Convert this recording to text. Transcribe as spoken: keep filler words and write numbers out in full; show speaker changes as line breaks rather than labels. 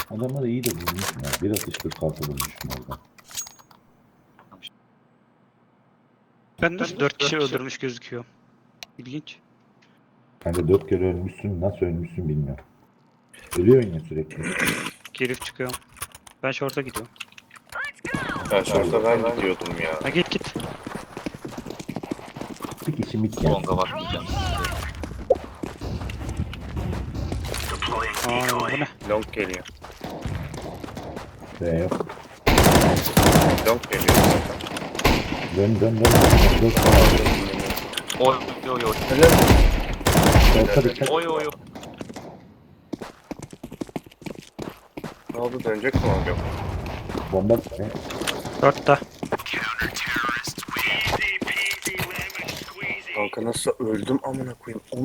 Adamları iyi de vurmuşum ya. Bir atış kırk altı vurmuşum orada.
Ben nasıl dört kişi öldürmüş gözüküyor. İlginç.
Kanka dört kere ölmüşsün. Nasıl ölmüşsün bilmiyorum. Ölüyorsun ya sürekli.
Girip çıkıyorum. Ben short'a gidiyorum.
Ya şurada ben gidiyordum ya.
Ha git git.
Bir kişi mit gelsin.
Longa bakmayacağım size.
Aa bu ne?
Long geliyor.
Ve yok.
Long geliyor zaten.
Dön dön dön. Dört tane.
Oy oy oy.
Orta dikkat.
Oy oy oy.
Ne oldu, dönecek mi abi?
Bomba.
Short'ta.
Kanka nasıl öldüm amına koyayım.